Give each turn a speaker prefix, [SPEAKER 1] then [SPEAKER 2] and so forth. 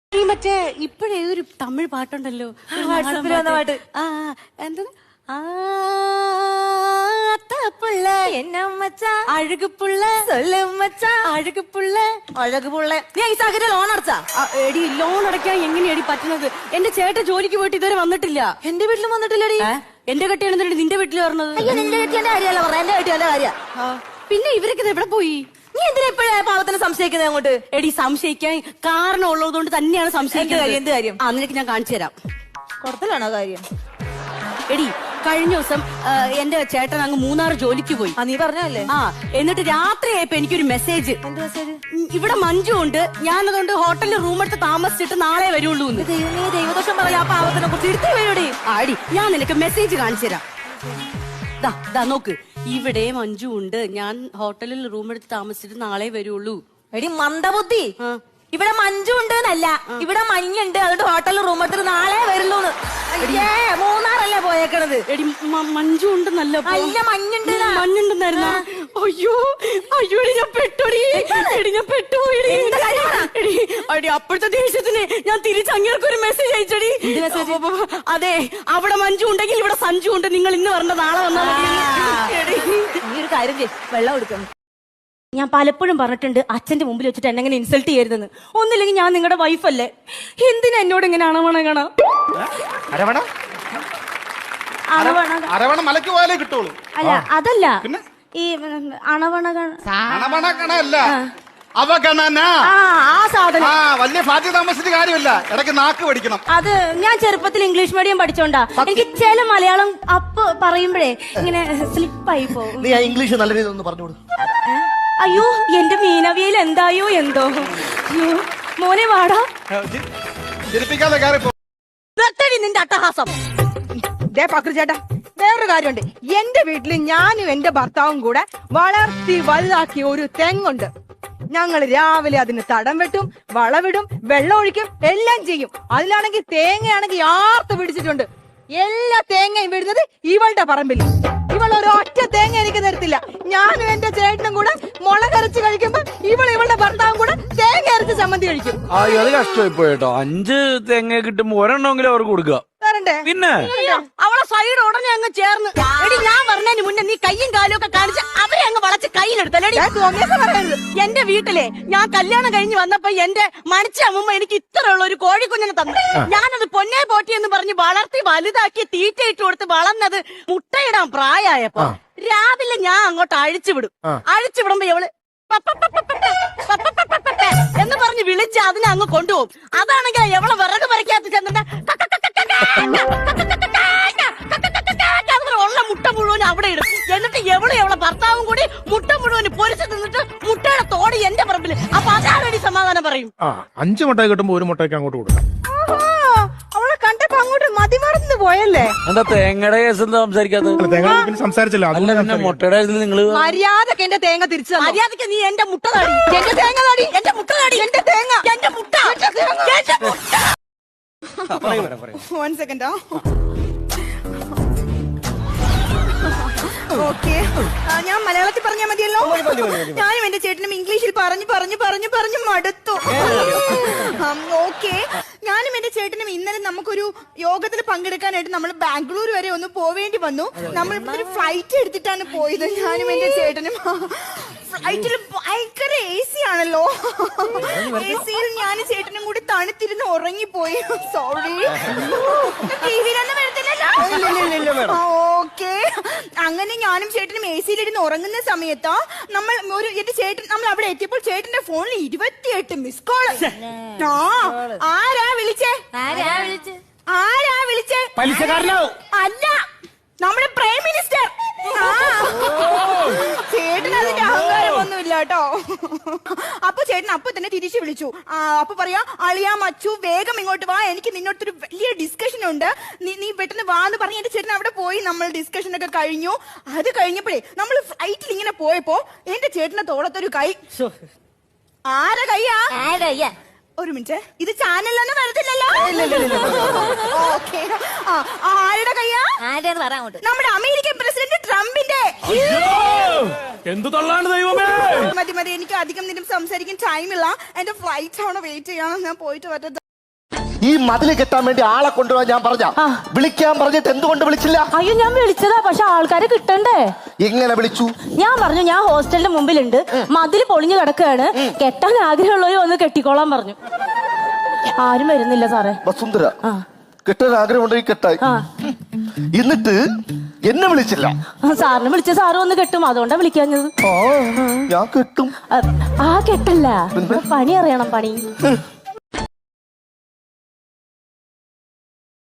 [SPEAKER 1] ഈ മറ്റേ ഇപ്പഴേ ഒരു തമിഴ് പാട്ടുണ്ടല്ലോ
[SPEAKER 2] വാട്സാപ്പിൽ വന്ന പാട്ട്.
[SPEAKER 1] എന്താ പുള്ള
[SPEAKER 2] എന്നമ്മച്ചാ
[SPEAKER 1] അഴകുപുള്ള
[SPEAKER 2] സൊല്ലുമ്മച്ചാ
[SPEAKER 1] അഴകുപുള്ള
[SPEAKER 2] അഴകുപുള്ള. നീ ഈ സാഹചര്യം ലോൺ അടച്ചാ?
[SPEAKER 1] എടി ലോൺ അടയ്ക്കാൻ എങ്ങനെയാടി പറ്റുന്നത്? എന്റെ ചേട്ടൻ ജോലിക്ക് പോയിട്ട് ഇതുവരെ വന്നിട്ടില്ല.
[SPEAKER 2] എന്റെ വീട്ടിലും വന്നിട്ടില്ലടി.
[SPEAKER 1] എന്റെ കെട്ടിയാണ് നിന്റെ വീട്ടിൽ പറഞ്ഞത്.
[SPEAKER 2] അയ്യോ നിന്റെ കെട്ടിയന്റെ കാര്യമല്ല പറഞ്ഞ, എന്റെ കെട്ടിയന്റെ കാര്യ.
[SPEAKER 1] പിന്നെ ഇവരൊക്കെ ഇത് എവിടെ പോയി?
[SPEAKER 2] നീ എന്തിനാ ഇപ്പോഴേ പാവത്തിന് സംശയിക്കുന്നത് അങ്ങോട്ട്?
[SPEAKER 1] എടി സംശയിക്കാൻ കാരണം ഉള്ളതുകൊണ്ട് തന്നെയാണ് സംശയിക്കുന്നത്.
[SPEAKER 2] എന്ത് കാര്യം?
[SPEAKER 1] നിനക്ക് ഞാൻ കാണിച്ചു തരാം.
[SPEAKER 2] കൊടുത്തലാണോ കാര്യം?
[SPEAKER 1] എടി കഴിഞ്ഞ ദിവസം എന്റെ ചേട്ടൻ അങ്ങ് മൂന്നാർ ജോലിക്ക് പോയി.
[SPEAKER 2] നീ പറഞ്ഞല്ലേ?
[SPEAKER 1] എന്നിട്ട് രാത്രിയായപ്പോ എനിക്കൊരു മെസ്സേജ്.
[SPEAKER 2] എന്ത് മെസ്സേജ്?
[SPEAKER 1] ഇവിടെ മഞ്ജു ഉണ്ട്, ഞാനതുകൊണ്ട് ഹോട്ടലിൽ റൂം എടുത്ത് താമസിച്ചിട്ട് നാളെ വരുള്ളൂ.
[SPEAKER 2] ദൈവമേ, ദൈവദോഷം പറയാ. ആ പാവത്തിനെ കുറിച്ച് എടുത്തേ വരൂടി.
[SPEAKER 1] ആടി ഞാൻ നിനക്ക് മെസ്സേജ് കാണിച്ചു തരാം. ദാ നോക്ക്, ഇവിടെ മഞ്ജു ഉണ്ട്, ഞാൻ ഹോട്ടലിൽ റൂം എടുത്ത് താമസിച്ചിട്ട് നാളെ വരുള്ളൂ.
[SPEAKER 2] എടി മന്ദബുദ്ധി, ഇവിടെ മഞ്ജു ഉണ്ട് എന്നല്ല, ഇവിടെ മഞ്ഞുണ്ട്, അതുകൊണ്ട് ഹോട്ടലിൽ റൂം എടുത്തിട്ട് നാളെ വരുള്ളൂന്ന്. മൂന്നാറല്ലേ പോയേക്കണത്?
[SPEAKER 1] എടി മഞ്ജു ഉണ്ടെന്നല്ല,
[SPEAKER 2] അല്ല മഞ്ഞുണ്ട്.
[SPEAKER 1] മഞ്ഞുണ്ടെന്നായിരുന്നു. അയ്യോ അയ്യോ ഞാൻ പെട്ടോടി. എടി ഞാൻ പെട്ടുപോയി. എടി അപ്പോഴത്തെ ദേഷ്യത്തിന് ഞാൻ തിരിച്ചങ്ങേർക്കൊരു മെസ്സേജ് അയച്ചടി. അതെ, അവിടെ മഞ്ജു ഉണ്ടെങ്കിൽ ഇവിടെ സഞ്ജു ഉണ്ട്, നിങ്ങൾ ഇന്ന് വരണ്ട നാളെ വന്നാൽ മതി.
[SPEAKER 2] നീ ഒരു കാര്യം ചെയ്യ്, വെള്ളം എടുക്കണം.
[SPEAKER 3] ഞാൻ പലപ്പോഴും പറഞ്ഞിട്ടുണ്ട് അച്ഛന്റെ മുമ്പിൽ വെച്ചിട്ട് എന്നെ ഇങ്ങനെ ഇൻസൾട്ട് ചെയ്യരുതെന്ന്. ഒന്നില്ലെങ്കിൽ ഞാൻ നിങ്ങളുടെ വൈഫല്ലേ, എന്തിനാ എന്നോട് ഇങ്ങനെ അണവണ?
[SPEAKER 4] അരവണ മലക്ക് പോയാലേ കിട്ടുള്ളൂ.
[SPEAKER 3] അല്ല അതല്ല, ഈ അണവണ
[SPEAKER 4] അവഗണന.
[SPEAKER 3] ആ സാധനം
[SPEAKER 4] വലിയ ഫ്ലാറ്റിൽ താമസിച്ചിട്ട് കാര്യമില്ല, ഇടയ്ക്ക് നാക്ക് പഠിക്കണം.
[SPEAKER 3] അത് ഞാൻ ചെറുപ്പത്തിൽ ഇംഗ്ലീഷ് മീഡിയം പഠിച്ചോണ്ടാ എനിക്ക് ചില മലയാളം അപ്പ് പറയുമ്പോഴേ ഇങ്ങനെ സ്ലിപ്പായി പോകും.
[SPEAKER 5] നീ ഇംഗ്ലീഷ് നല്ല രീതിയിൽ ഒന്ന് പറഞ്ഞോളൂ.
[SPEAKER 3] അയ്യോ എന്റെ മീനവിയയിൽ എന്തായോ എന്തോ. അയ്യോ മോനെ വാടാ.
[SPEAKER 4] ചിരിപ്പിക്കാതെ കയറി പോ.
[SPEAKER 6] നിന്റെ അട്ടഹാസം. ചേട്ടാ, വേറൊരു കാര്യമുണ്ട്. എന്റെ വീട്ടിൽ ഞാനും എന്റെ ഭർത്താവും കൂടെ വളർത്തി വലുതാക്കിയ ഒരു തെങ്ങുണ്ട്. ഞങ്ങൾ രാവിലെ അതിന് തടം വെട്ടും, വളവിടും, വെള്ളം ഒഴിക്കും, എല്ലാം ചെയ്യും. അതിലാണെങ്കിൽ തേങ്ങയാണെങ്കിൽ ആർത്ത് പിടിച്ചിട്ടുണ്ട്. എല്ലാ തേങ്ങയും വീഴുന്നത് ഇവളുടെ പറമ്പിൽ. ഇവൾ ഒരു ഒറ്റ തേങ്ങ എനിക്ക് തരത്തില്ല. ഞാനും എന്റെ ചേട്ടനും കൂടെ മുളകരച്ച് കഴിക്കുമ്പോ ഇവളുടെ ഭർത്താവും കൂടെ തേങ്ങ അരച്ച് ചമ്മന്തി കഴിക്കും.
[SPEAKER 7] അത് കഷ്ടമായി പോയിട്ടോ. 5 തേങ്ങ കിട്ടുമ്പോ ഒരെണ്ണമെങ്കിലും അവർക്ക് കൊടുക്കുക. പിന്നെ
[SPEAKER 1] അവളെ സൈഡ് ഉടനെ അങ്ങ് ചേർന്ന്. എടി ഞാൻ പറഞ്ഞതിന് മുന്നേ നീ കയ്യും കാലും ഒക്കെ കാണിച്ച് അവരെ അങ്ങ് വളച്ച് കയ്യിലെടുത്തല്ലേടി. എന്റെ വീട്ടിലെ ഞാൻ കല്യാണം കഴിഞ്ഞ് വന്നപ്പോ എന്റെ മണിച്ച അമ്മ എനിക്ക് ഇത്രയുള്ള ഒരു കോഴിക്കുഞ്ഞിനെ തന്നു. ഞാനത് പൊന്നെ പോറ്റി എന്ന് പറഞ്ഞ് വളർത്തി വലുതാക്കി തീറ്റയിട്ട് കൊടുത്ത് വളർന്നത് മുട്ടയിടാൻ പ്രായമായപ്പോ രാവിലെ ഞാൻ അങ്ങോട്ട് അഴിച്ചുവിടും. അഴിച്ചുവിടുമ്പോ ഇവള് എന്ന് പറഞ്ഞ് വിളിച്ച് അതിനെ അങ്ങ് കൊണ്ടുപോകും. അതാണെങ്കിൽ എവളെ വിറക് പറിക്കാത്ത ചെന്നിട്ട് ഉള്ള മുട്ട മുഴുവൻ അവിടെ ഇടും. എന്നിട്ട് എവളെ ഭർത്താവും കൂടി മുട്ട മുഴുവൻ പൊരിച്ചു നിന്നിട്ട് മുട്ടയുടെ തോടി എന്റെ പറമ്പിൽ. അപ്പൊ അതാരടി സമാധാനം പറയും?
[SPEAKER 8] 5 മുട്ട കിട്ടുമ്പോ 1 മുട്ടയ്ക്ക് അങ്ങോട്ട് കൊടുക്കാം.
[SPEAKER 6] അവളെ കണ്ടപ്പോ അങ്ങോട്ട് മതിമറന്നു പോയല്ലേ?
[SPEAKER 7] എന്താ തേങ്ങയുടെ കേസ് എന്താ സംസാരിക്കാത്തത്?
[SPEAKER 8] തേങ്ങ സംസാരിച്ചില്ല.
[SPEAKER 7] മുട്ടയുടെ നിങ്ങള്
[SPEAKER 6] മര്യാദക്ക് എന്റെ തേങ്ങ തിരിച്ചു.
[SPEAKER 1] മര്യാദക്ക് നീ എന്റെ മുട്ട താടി,
[SPEAKER 6] എന്റെ തേങ്ങ താടി, എന്റെ മുട്ട താടി, എന്റെ തേങ്ങ,
[SPEAKER 1] എന്റെ മുട്ട, എന്റെ മുട്ട.
[SPEAKER 6] 1 സെക്കൻഡോ. ഓക്കെ, ഞാൻ മലയാളത്തിൽ പറഞ്ഞാൽ മതിയല്ലോ. ഞാനും എന്റെ ചേട്ടനും ഇംഗ്ലീഷിൽ പറഞ്ഞു മടുത്തു. ഓക്കെ, ഞാനും എന്റെ ചേട്ടനും ഇന്നലെ നമുക്കൊരു യോഗത്തിൽ പങ്കെടുക്കാനായിട്ട് നമ്മൾ ബാംഗ്ലൂർ വരെ ഒന്ന് പോവേണ്ടി വന്നു. നമ്മൾ ഇവിടെ ഒരു ഫ്ലൈറ്റ് എടുത്തിട്ടാണ് പോയത്. ഞാനും എന്റെ ചേട്ടനും ഫ്ലൈറ്റിൽ ഭയങ്കര AC ആണല്ലോ. AC-യിൽ ഞാനും ചേട്ടനും കൂടി തണുത്തിരുന്ന് ഉറങ്ങിപ്പോയി. സോറി, ടിവിയിലൊന്നും വരത്തില്ലല്ലോ. ഓക്കെ, അങ്ങനെ ഞാനും ചേട്ടനും AC-യിലിരുന്ന് ഉറങ്ങുന്ന സമയത്ത് നമ്മൾ അവിടെ എത്തിയപ്പോൾ ചേട്ടന്റെ ഫോണിൽ 28 മിസ് കോൾ. ആരാ വിളിച്ചേ? അല്ല, നമ്മുടെ പ്രൈം മിനിസ്റ്റർ. ചേട്ടൻ അതിന്റെ അഹങ്കാരമൊന്നുമില്ല കേട്ടോ. അപ്പൊ ചേട്ടൻ അപ്പൊ തന്നെ തിരിച്ചു വിളിച്ചു. അപ്പൊ പറയാ, അളിയാ മച്ചു വേഗം ഇങ്ങോട്ട് വാ, എനിക്ക് നിന്നോടത്തൊരു വലിയ ഡിസ്കഷൻ ഉണ്ട്, നീ പെട്ടെന്ന് വാ എന്ന് പറഞ്ഞ് എന്റെ ചേട്ടൻ അവിടെ പോയി. നമ്മൾ ഡിസ്കഷൻ ഒക്കെ കഴിഞ്ഞു. അത് കഴിഞ്ഞപ്പോഴേ നമ്മൾ ഫ്ലൈറ്റിൽ ഇങ്ങനെ പോയപ്പോ എന്റെ ചേട്ടന്റെ തോളത്തൊരു കൈ. ആരെ കയ്യാ? ഒരു മിനിറ്റ്, ഇത് ചാനലൊന്നും വരത്തില്ലല്ലോ. ഓക്കെ, ആരുടെ കയ്യാ? നമ്മുടെ അമേരിക്കൻ പ്രസിഡന്റ് ട്രംപിന്റെ.
[SPEAKER 8] എന്ത് തള്ളാണ് ദൈവമേ.
[SPEAKER 6] മതി, എനിക്ക് അധികം നിന്നും സംസാരിക്കാൻ ടൈമില്ല. എന്റെ ഫ്ലൈറ്റ് ആണ് വെയിറ്റ് ചെയ്യണം. ഞാൻ പോയിട്ട് വരട്ടെ.
[SPEAKER 5] ഈ മതില് കെട്ടാൻ വേണ്ടി ആളെ കൊണ്ടുപോകാൻ ഞാൻ പറഞ്ഞ വിളിക്കാൻ പറഞ്ഞിട്ട് എന്തുകൊണ്ട് വിളിച്ചില്ല?
[SPEAKER 3] അയ്യോ ഞാൻ വിളിച്ചതാ, പക്ഷെ ആൾക്കാരെ കിട്ടണ്ടേ?
[SPEAKER 5] എങ്ങനെ വിളിച്ചു?
[SPEAKER 3] ഞാൻ പറഞ്ഞു ഞാൻ ഹോസ്റ്റലിന്റെ മുമ്പിലുണ്ട്, മതില് പൊളിഞ്ഞു കിടക്കുകയാണ്, കെട്ടാൻ ആഗ്രഹമുള്ളവര് വന്ന് കെട്ടിക്കോളാൻ പറഞ്ഞു. ആരും വരുന്നില്ല സാറേ.
[SPEAKER 5] വസുന്ധര, കെട്ടാൻ ആഗ്രഹമുണ്ടെങ്കിൽ കെട്ടായി. എന്നിട്ട് എന്നെ വിളിച്ചില്ല.
[SPEAKER 3] സാറിന് വിളിച്ച സാറ് വന്ന് കെട്ടും, അതുകൊണ്ടാ വിളിക്കാഞ്ഞത്.
[SPEAKER 5] ഞാൻ കെട്ടും.
[SPEAKER 3] ആ കെട്ടല്ല, പണി അറിയണം, പണി.